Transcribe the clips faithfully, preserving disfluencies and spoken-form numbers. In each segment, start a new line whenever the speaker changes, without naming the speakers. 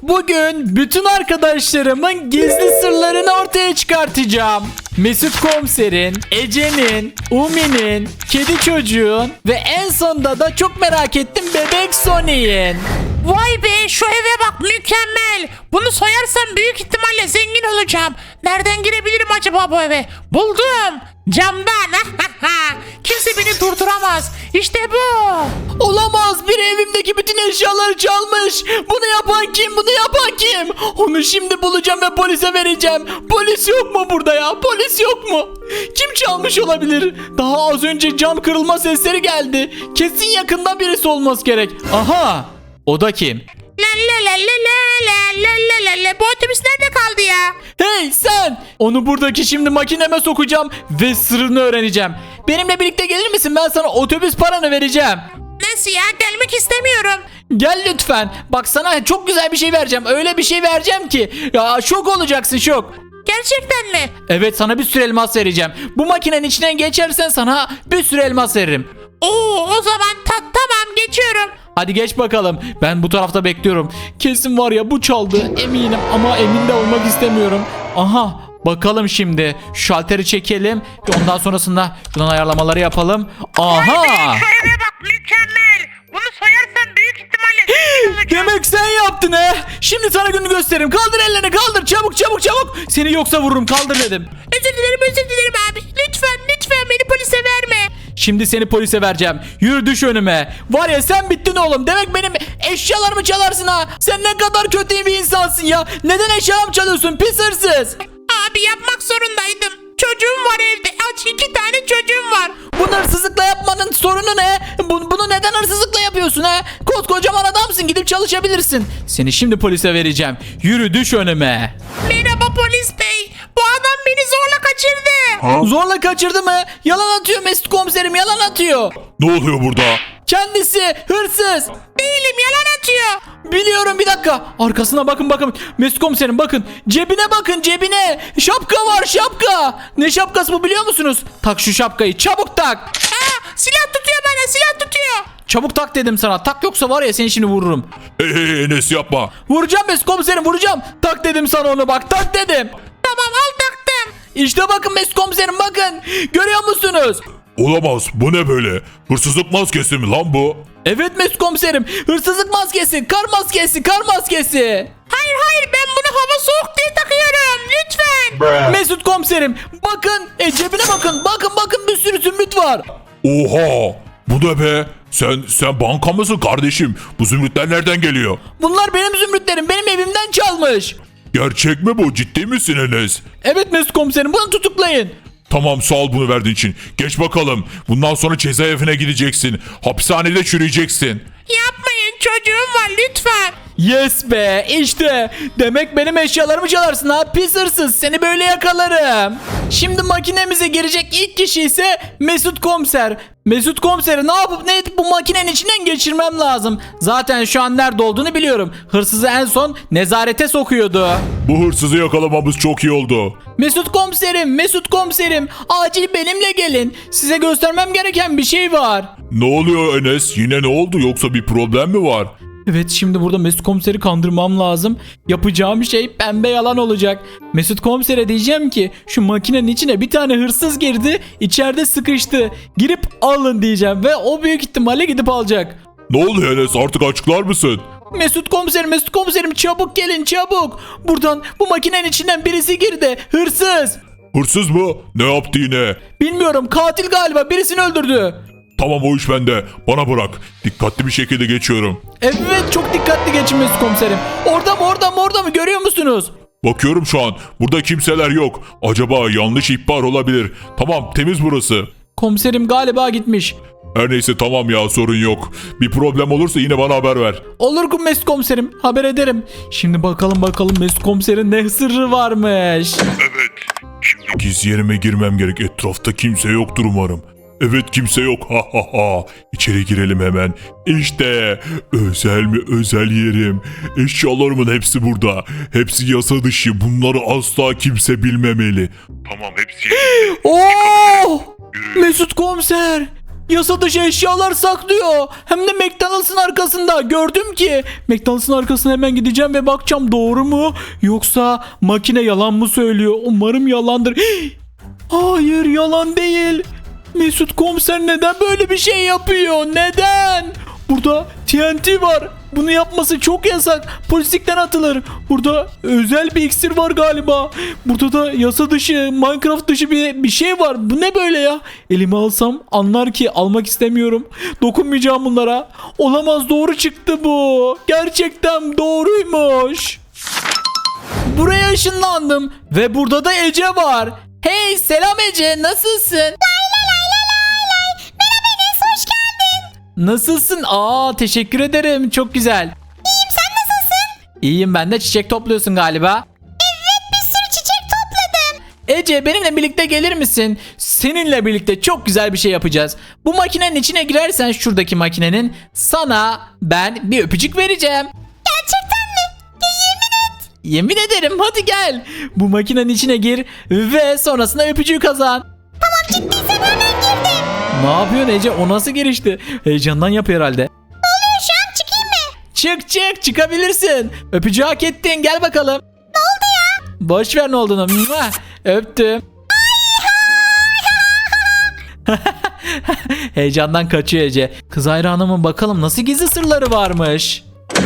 Bugün bütün arkadaşlarımın gizli sırlarını ortaya çıkartacağım. Mesut Komiser'in, Ece'nin, Umi'nin, kedi çocuğun ve en sonunda da çok merak ettim bebek Sonic'in.
Vay be, şu eve bak, mükemmel. Bunu soyarsam büyük ihtimalle zengin olacağım. Nereden girebilirim acaba bu eve? Buldum. Camdan. Kimse beni durduramaz. İşte bu.
Olamaz, biri evimdeki bütün eşyaları çalmış. Bunu yapan kim? Bunu yapan kim? Onu şimdi bulacağım ve polise vereceğim. Polis yok mu burada ya? Polis yok mu? Kim çalmış olabilir? Daha az önce cam kırılma sesleri geldi. Kesin yakında birisi olması gerek. Aha! O da kim?
La la la la la la la la la la. Bu otobüs nerede kaldı ya?
Hey sen! Onu buradaki şimdi makineme sokacağım ve sırrını öğreneceğim. Benimle birlikte gelir misin? Ben sana otobüs paranı vereceğim.
Nasıl ya? Gelmek istemiyorum.
Gel lütfen. Bak sana çok güzel bir şey vereceğim. Öyle bir şey vereceğim ki. Ya şok olacaksın, şok.
Gerçekten mi?
Evet, sana bir sürü elmas vereceğim. Bu makinenin içinden geçersen sana bir sürü elmas veririm.
Oo, o zaman ta tamam, geçiyorum.
Hadi geç bakalım. Ben bu tarafta bekliyorum. Kesin var ya bu çaldı. Eminim ama emin de olmak istemiyorum. Aha, bakalım şimdi. Şu şalteri çekelim. Ondan sonrasında buradan ayarlamaları yapalım. Aha!
Şu eve bak, mükemmel. Bunu soyarsam büyük ihtimalle zengin olacağım.
Demek sen yaptın he. Şimdi sana gününü gösteririm. Kaldır ellerini, kaldır. Çabuk çabuk çabuk. Seni yoksa vururum. Kaldır dedim.
Özür dilerim, özür dilerim abi. Lütfen, lütfen beni polise verme.
Şimdi seni polise vereceğim. Yürü, düş önüme. Var ya sen bittin oğlum. Demek benim eşyalarımı çalarsın ha. Sen ne kadar kötü bir insansın ya. Neden eşyalarımı çalıyorsun pis hırsız?
Abi, yapmak zorundaydım. Çocuğum var evde. Aç, iki tane çocuğum var.
Bunu hırsızlıkla yapmanın sorunu ne? Bu- bunu neden hırsızlıkla yapıyorsun ha? Koskocaman adamsın, gidip çalışabilirsin. Seni şimdi polise vereceğim. Yürü, düş önüme.
Merhaba polis bey. Bu adam beni zorla kaçırdı.
Zorla kaçırdı mı? Yalan atıyor Mesut Komiserim, yalan atıyor.
Ne oluyor burada?
Kendisi hırsız.
Değilim, yalan atıyor.
Biliyorum, bir dakika. Arkasına bakın bakın. Mesut Komiserim bakın. Cebine bakın, cebine. Şapka var, şapka. Ne şapkası bu biliyor musunuz? Tak şu şapkayı, çabuk tak.
Aa, silah tutuyor bana, silah tutuyor.
Çabuk tak dedim sana. Tak, yoksa var ya seni şimdi vururum.
Hey hey Enes, yapma.
Vuracağım Mesut Komiserim, vuracağım. Tak dedim sana onu, bak tak dedim.
Tamam, al taktım.
İşte bakın Mesut Komiserim, bakın. Görüyor musunuz?
Olamaz, bu ne böyle? Hırsızlık maskesi mi lan bu?
Evet Mesut Komiserim. Hırsızlık maskesi, kar maskesi, kar maskesi.
Hayır hayır, ben bunu hava soğuk diye takıyorum. Lütfen.
Mesut Komiserim bakın, e, cebine bakın. Bakın bakın, bir sürü zümrüt var.
Oha! Bu ne be? Sen sen banka mısın kardeşim? Bu zümrütler nereden geliyor?
Bunlar benim zümrütlerim. Benim evimden çalmış.
Gerçek mi bu? Ciddi misin Enes?
Evet Mesut Komiserim, bunu tutuklayın.
Tamam, sağ ol bunu verdiğin için. Geç bakalım. Bundan sonra cezaevine gideceksin. Hapishanede çürüyeceksin.
Yapmayın, çocuğum var, lütfen.
Yes be, işte. Demek benim eşyalarımı çalarsın ha, pis hırsız. Seni böyle yakalarım. Şimdi makinemize girecek ilk kişi ise Mesut Komiser. Mesut Komiser'i ne yapıp ne edip bu makinenin içinden geçirmem lazım. Zaten şu an nerede olduğunu biliyorum. Hırsızı en son nezarete sokuyordu.
Bu hırsızı yakalamamız çok iyi oldu.
Mesut Komiserim, Mesut Komiserim, acil benimle gelin. Size göstermem gereken bir şey var.
Ne oluyor Enes? Yine ne oldu? Yoksa bir problem mi var?
Evet, şimdi burada Mesut Komiser'i kandırmam lazım. Yapacağım şey pembe yalan olacak. Mesut Komiser'e diyeceğim ki şu makinenin içine bir tane hırsız girdi, içeride sıkıştı. Girip alın diyeceğim ve o büyük ihtimalle gidip alacak.
Ne oluyor Enes? Artık açıklar mısın?
Mesut Komiserim, Mesut Komiserim, çabuk gelin çabuk. Buradan bu makinenin içinden birisi girdi. Hırsız.
Hırsız mı? Ne yaptı yine?
Bilmiyorum, katil galiba, birisini öldürdü.
Tamam, o iş bende. Bana bırak. Dikkatli bir şekilde geçiyorum.
Evet, çok dikkatli geçin Mesut Komiserim. Orada mı, orada mı, orada mı, görüyor musunuz?
Bakıyorum şu an. Burada kimseler yok. Acaba yanlış ihbar olabilir. Tamam, temiz burası.
Komiserim galiba gitmiş.
Her neyse, tamam ya, sorun yok. Bir problem olursa yine bana haber ver.
Olur ki Mesut Komiserim, haber ederim. Şimdi bakalım bakalım Mesut Komiser'in ne sırrı varmış.
Evet. Şimdi gizli yerime girmem gerek. Etrafta kimse yoktur umarım. Evet, kimse yok. Ha ha ha. İçeri girelim hemen. İşte özel mi özel yerim. Eşyalarımın hepsi burada. Hepsi yasa dışı. Bunları asla kimse bilmemeli. Tamam, hepsi.
Oo! Mesut Komiser. yasa dışı eşyalar saklıyor. Hem de McDonald's'ın arkasında. Gördüm ki. McDonald's'ın arkasına hemen gideceğim ve bakacağım doğru mu? Yoksa makine yalan mı söylüyor? Umarım yalandır. Hayır, yalan değil. Mesut komiser neden böyle bir şey yapıyor? Neden? Burada T N T var. Bunu yapması çok yasak. Polislikten atılır. Burada özel bir iksir var galiba. Burada da yasa dışı, Minecraft dışı bir, bir şey var. Bu ne böyle ya? Elime alsam anlar ki almak istemiyorum. Dokunmayacağım bunlara. Olamaz, doğru çıktı bu. Gerçekten doğruymuş. Buraya ışınlandım. Ve burada da Ece var. Hey, selam Ece, nasılsın? Nasılsın? Aa, teşekkür ederim. Çok güzel.
İyiyim, sen nasılsın?
İyiyim ben de. Çiçek topluyorsun galiba.
Evet, bir sürü çiçek topladım.
Ece, benimle birlikte gelir misin? Seninle birlikte çok güzel bir şey yapacağız. Bu makinenin içine girersen, şuradaki makinenin, sana ben bir öpücük vereceğim.
Gerçekten mi? Ya, yemin et.
Yemin ederim, hadi gel. Bu makinenin içine gir ve sonrasında öpücüğü kazan.
Tamam, ciddiysen hemen girdim.
Ne yapıyorsun Ece? O nasıl girişti? Heyecandan yapıyor herhalde.
Ne oluyor şu an, çıkayım mı?
Çık çık, çıkabilirsin. Öpücüğü hak ettin, gel bakalım.
Ne oldu ya?
Boş ver ne olduğunu. Mua! Öptüm. Heyecandan kaçıyor Ece. Kız hayranımın bakalım nasıl gizli sırları varmış.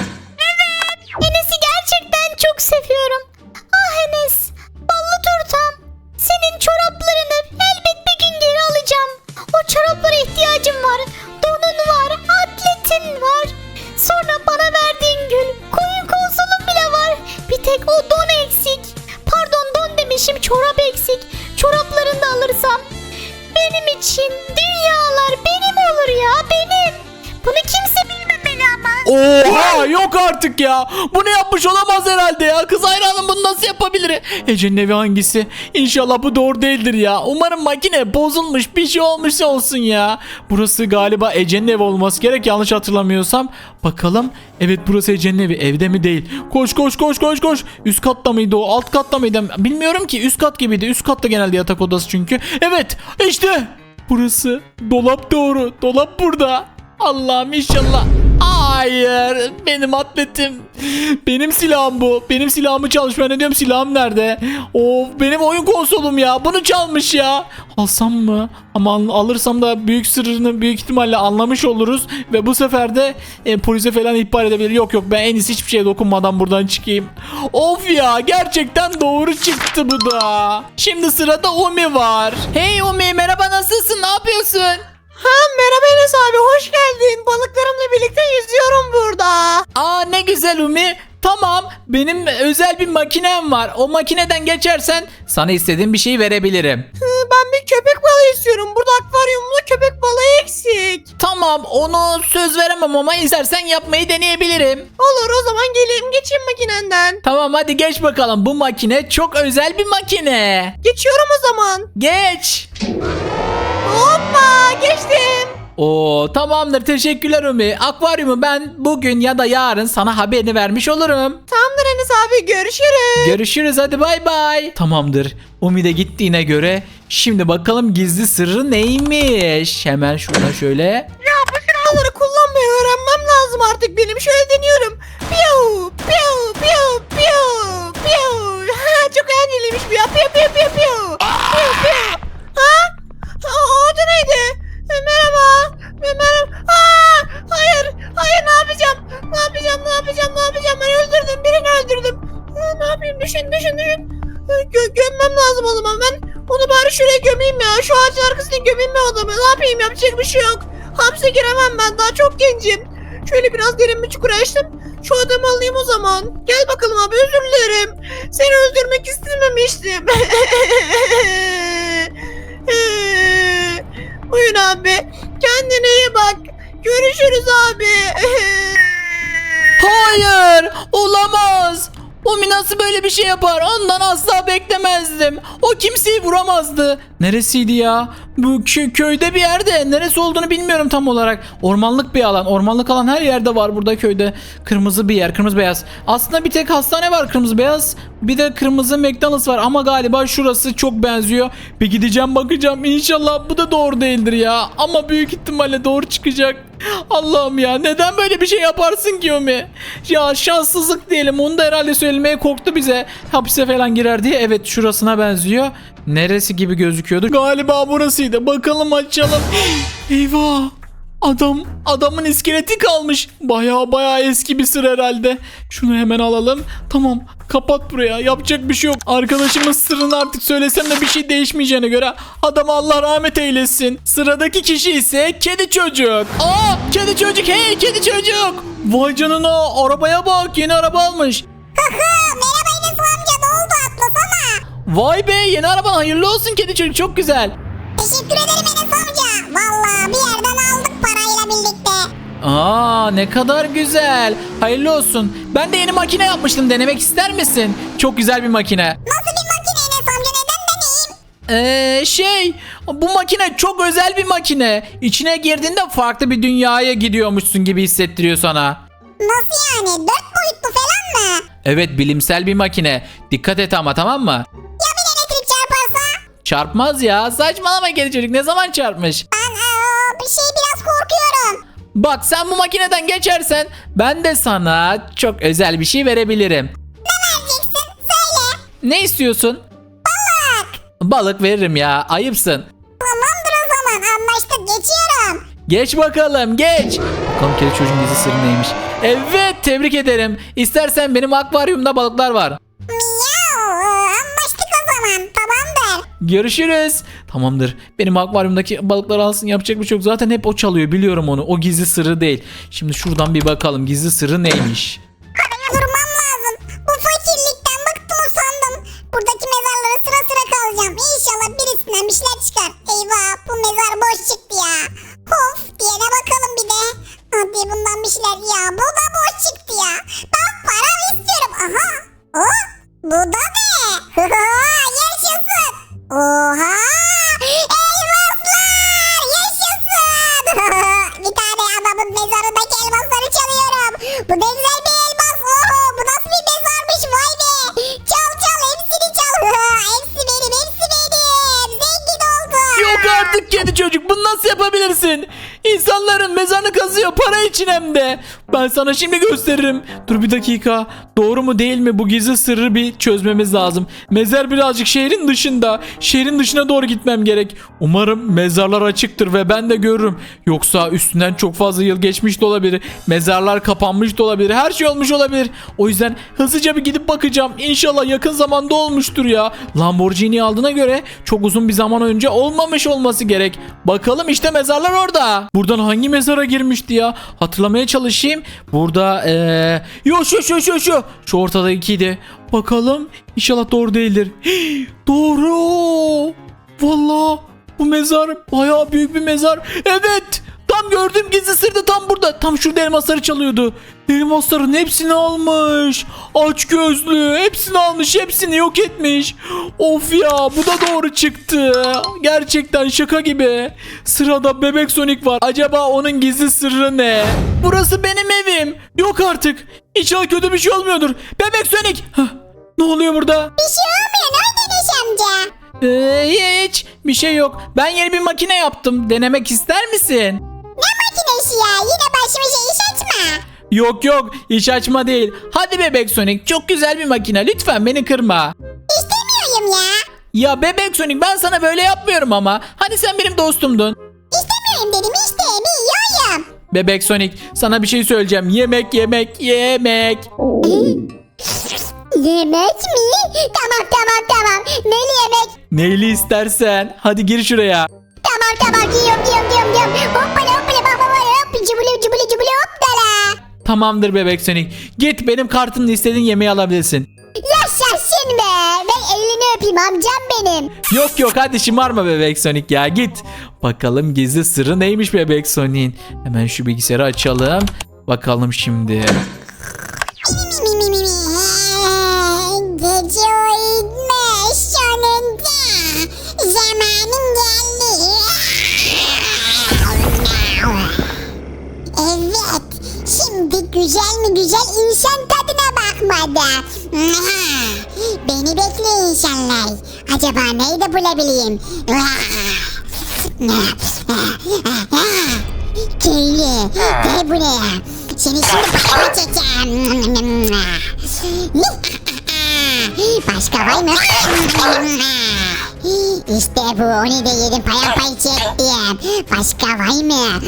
Enes'i gerçekten çok seviyorum. Ah Enes, ballı turtam. Senin çoraplarını elbet bir gün geri alacağım. O çoraplara ihtiyacım var. Donun var, atletin var. Sonra bana verdiğin gül, koyun konsolun bile var. Bir tek o don eksik. Pardon, don demişim, çorap eksik. Çoraplarını da alırsam benim için dünyalar benim olur ya, benim. Bunu kimse bilmemeli ama.
Oha, yok artık ya. Bunu yapmış olamaz herhalde ya. Kız hayranım bunu nasıl yapabilir? Ece'nin evi hangisi? İnşallah bu doğru değildir ya. Umarım makine bozulmuş, bir şey olmuş olsun ya. Burası galiba Ece'nin evi olması gerek, yanlış hatırlamıyorsam. Bakalım. Evet, burası Ece'nin evi. Evde mi değil? Koş koş koş koş koş. Üst katta mıydı o? Alt katta mıydı? Bilmiyorum ki. Üst kat gibiydi. Üst katta genelde yatak odası çünkü. Evet, işte. Burası. Dolap doğru. Dolap burada. Allah'ım inşallah. Hayır, benim atletim. Benim silahım bu. Benim silahımı çalmış. Ben ne diyorum, silahım nerede? Of, benim oyun konsolum ya. Bunu çalmış ya. Alsam mı? Ama al- alırsam da büyük sırrını büyük ihtimalle anlamış oluruz. Ve bu sefer de e, polise falan ihbar edebilir. Yok yok, ben en iyisi hiçbir şeye dokunmadan buradan çıkayım. Of ya, gerçekten doğru çıktı bu da. Şimdi sırada Umi var. Hey Umi, merhaba, nasılsın? Ne yapıyorsun?
Ha, merhaba Enes abi, hoş geldin. Balıklarımla birlikte yüzüyorum burada.
Aa, ne güzel Umi. Tamam, benim özel bir makinem var. O makineden geçersen sana istediğim bir şey verebilirim.
Hı, ben bir köpek balığı istiyorum. Burada akvaryumda köpek balığı eksik.
Tamam, onu söz veremem ama istersen yapmayı deneyebilirim.
Olur, o zaman geleyim, geçeyim makinenden.
Tamam, hadi geç bakalım. Bu makine çok özel bir makine.
Geçiyorum o zaman.
Geç.
Hoppa, geçtim.
Oo, tamamdır, teşekkürler Umi. Akvaryumu ben bugün ya da yarın sana haberini vermiş olurum.
Tamamdır Enes abi, görüşürüz.
Görüşürüz, hadi bay bay. Tamamdır. Umi de gittiğine göre şimdi bakalım gizli sırrı neymiş. Hemen şuradan şöyle.
Ya bu silahları kullanmayı öğrenmem lazım artık benim. Şöyle deniyorum. Piu, piu, piu, piu, piu. Ha, çok eğlenceliymiş bu ya. Piu, piu, piu, piu. Piu, piu. Ha? O, o da neydi? E, merhaba. E, merhaba. Aa, hayır. Hayır, ne yapacağım? Ne yapacağım? Ne yapacağım? Ne yapacağım? Ben öldürdüm. Birini öldürdüm. Ha, ne yapayım? Düşün, düşün, düşün. E, Gö gömmem lazım o zaman. Ben onu bari şuraya gömeyim ya. Şu ağacın arkasına gömeyim ben adamı. Ne yapayım? Yapacak bir şey yok. Hapse giremem ben. Daha çok gencim. Şöyle biraz derin bir çukur açtım. Şu adamı alayım o zaman. Gel bakalım abi, özür dilerim. Seni öldürmek istememiştim. Buyur abi. Kendine iyi bak. Görüşürüz abi.
Hayır, olamaz. Umi nasıl böyle bir şey yapar? Ondan asla beklemezdim. O kimseyi vuramazdı. Neresiydi ya? Bu kö- köyde bir yerde. Neresi olduğunu bilmiyorum tam olarak. Ormanlık bir alan. Ormanlık alan her yerde var burada köyde. Kırmızı bir yer. Kırmızı beyaz. Aslında bir tek hastane var kırmızı beyaz. Bir de kırmızı McDonald's var. Ama galiba şurası çok benziyor. Bir gideceğim bakacağım. İnşallah bu da doğru değildir ya. Ama büyük ihtimalle doğru çıkacak. Allah'ım ya, neden böyle bir şey yaparsın ki Umi? Ya şanssızlık diyelim. Onu da herhalde söylemeye korktu bize. Hapise falan girer diye. Evet, şurasına benziyor. Neresi gibi gözüküyordu? Galiba burasıydı. Bakalım, açalım. Eyvah. Adam, adamın iskeleti kalmış. Baya baya eski bir sır herhalde. Şunu hemen alalım. Tamam, kapat buraya. Yapacak bir şey yok. Arkadaşımın sırrını artık söylesem de bir şey değişmeyeceğine göre adama Allah rahmet eylesin. Sıradaki kişi ise kedi çocuk. Aa, kedi çocuk. Hey kedi çocuk. Vay canına, arabaya bak. Yeni araba almış.
Merhaba Enes amca, ne oldu, atlasana.
Vay be, yeni araban hayırlı olsun kedi çocuk. Çok güzel.
Teşekkür ederim Enes amca. Valla bir yerden aldık parayla birlikte.
Aa, ne kadar güzel. Hayırlı olsun. Ben de yeni makine yapmıştım. Denemek ister misin? Çok güzel bir makine.
Nasıl bir makine Enes amca, neden deneyeyim?
Eee şey, bu makine çok özel bir makine. İçine girdiğinde farklı bir dünyaya gidiyormuşsun gibi hissettiriyor sana.
Nasıl yani, dört boyutlu falan mı?
Evet, bilimsel bir makine. Dikkat et ama, tamam mı?
Ya bir elektrik çarparsa?
Çarpmaz ya. Saçmalama kedi çocuk. Ne zaman çarpmış?
Ben aa, bir şey biraz korkuyorum.
Bak, sen bu makineden geçersen ben de sana çok özel bir şey verebilirim.
Vereceksin, söyle.
Ne istiyorsun?
Balık.
Balık veririm ya. Ayıpsın.
Tamamdır o zaman, anlaştık, geçiyorum.
Geç bakalım, geç. Bakalım kedi çocuğun gizli sırrı neymiş. Evet, tebrik ederim. İstersen benim akvaryumda balıklar var.
Miyav, anlaştık o zaman, tamamdır.
Görüşürüz. Tamamdır. Benim akvaryumdaki balıkları alsın, yapacak bir şey yok. Zaten hep o çalıyor, biliyorum onu. O gizli sırrı değil. Şimdi şuradan bir bakalım gizli sırrı neymiş.
Durmam lazım. Bu fakirlikten bıktım, usandım. Buradaki mezarlara sıra sıra kalacağım. İnşallah birisinden bir şeyler çıkar. Eyvah, bu mezar boş çıktı ya. Of, diyene bakalım bir de. Hadi bundan bir şeyler, ya bu da boş çıktı ya. Ben para istiyorum. Aha. O, bu da ne? Yaşasın. Oha. Elmaslar. Yaşasın. Bir tane adamın mezarındaki elmasları çalıyorum. Bu ne güzel bir elmas. Oho, bu nasıl bir mezarmış, vay be. Çal çal, hepsini çal. Hepsi benim, hepsi benim. Zengin oldum.
Yok artık kedi çocuk, bunu nasıl yapabilirsin? İnsanların mezarını kazıyor, para için hem de. Ben sana şimdi gösteririm. Dur bir dakika. Doğru mu değil mi, bu gizli sırrı bir çözmemiz lazım. Mezar birazcık şehrin dışında. Şehrin dışına doğru gitmem gerek. Umarım mezarlar açıktır ve ben de görürüm. Yoksa üstünden çok fazla yıl geçmiş de olabilir. Mezarlar kapanmış da olabilir. Her şey olmuş olabilir. O yüzden hızlıca bir gidip bakacağım. İnşallah yakın zamanda olmuştur ya. Lamborghini aldığına göre çok uzun bir zaman önce olmamış olması gerek. Bakalım, işte mezarlar orada. Buradan hangi mezara girmişti ya? Hatırlamaya çalışayım. Burada eee yo şu şu şu şu. Şu ortadakiydi. Bakalım. İnşallah doğru değildir. Hii, doğru. Vallahi bu mezar bayağı büyük bir mezar. Evet. Tam gördüğüm gizli sır da tam burada. Tam şurada elmasları çalıyordu. Elmasların hepsini almış. Aç gözlü. Hepsini almış. Hepsini yok etmiş. Of ya, bu da doğru çıktı. Gerçekten şaka gibi. Sırada Bebek Sonic var. Acaba onun gizli sırrı ne? Burası benim evim. Yok artık. İnşallah kötü bir şey olmuyordur. Bebek Sonic. Hah, ne oluyor burada?
Bir şey olmuyor, nerede Enes amca?
Ee, hiç bir şey yok. Ben yeni bir makine yaptım. Denemek ister misin?
Ne makinesi ya? Yine başımıza iş açma.
Yok yok, iş açma değil. Hadi Bebek Sonic, çok güzel bir makine. Lütfen beni kırma.
İstemiyorum ya.
Ya Bebek Sonic, ben sana böyle yapmıyorum ama. Hani sen benim dostumdun.
İstemiyorum dedim, istemiyorum.
Bebek Sonic, sana bir şey söyleyeceğim. Yemek yemek yemek.
Yemek mi? Tamam tamam tamam. Neli yemek?
Neyli istersen. Hadi gir şuraya.
Tamam tamam, yiyorum yiyorum yiyorum yiyorum. Hoppala hoppala baba var hop. Cıbılı cıbılı cıbılı hoppala.
Tamamdır Bebek Sonic. Git, benim kartımla istediğin yemeği alabilirsin.
Yaşasın be. Ben elini öpeyim amcam benim.
Yok yok, hadi şımarma Bebek Sonic ya, git. Bakalım gizli sırrı neymiş Bebek Sonic'in. Hemen şu bilgisayarı açalım. Bakalım şimdi.
Mi mi mi mi mi. en güzel insan tadına bakmadı. Beni bekle insanlar. Acaba neyi de bulabileyim? Köylü, gel buraya. Seni şimdi patlatacağım. Başka var mı? İşte bu, onu da yedim, paramparça ettim. Başka var mı?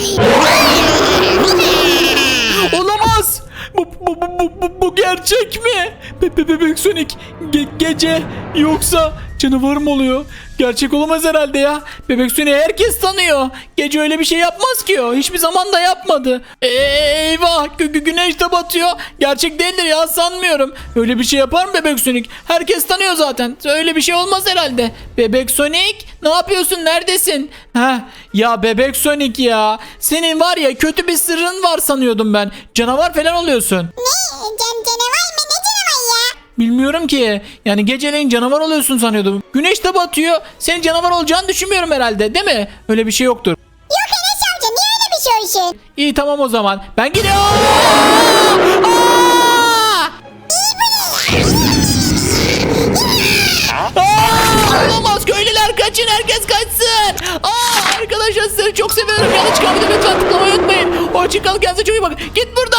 Olamaz. Bu, bu, bu, bu, bu, bu gerçek mi? Be, be, bebek Sonic ge- gece yoksa canavar mı oluyor? Gerçek olamaz herhalde ya. Bebek Sonic'i herkes tanıyor. Gece öyle bir şey yapmaz ki o. Hiçbir zaman da yapmadı. Eyvah gü- gü- güneş de batıyor. Gerçek değildir ya, sanmıyorum. Öyle bir şey yapar mı Bebek Sonic? Herkes tanıyor zaten. Öyle bir şey olmaz herhalde. Bebek Sonic ne yapıyorsun? Neredesin? Heh, ya Bebek Sonic ya. Senin var ya kötü bir sırrın var sanıyordum ben. Canavar falan oluyorsun.
Ne? Can canavar mı? Ne canavar ya?
Bilmiyorum ki. Yani geceleyin canavar oluyorsun sanıyordum. Güneş de batıyor. Senin canavar olacağını düşünmüyorum herhalde, değil mi? Öyle bir şey yoktur.
Yok Enes amca, niye öyle bir şey olsun?
İyi tamam o zaman. Ben gidiyorum. Aa, olamaz, köylüler kaçın, herkes kaçsın. Aa, arkadaşlar sizleri çok seviyorum. Yanlış kalmadı, lütfen tıklamayı unutmayın. Hoşçakalın, kendinize çok iyi bakın. Git buradan.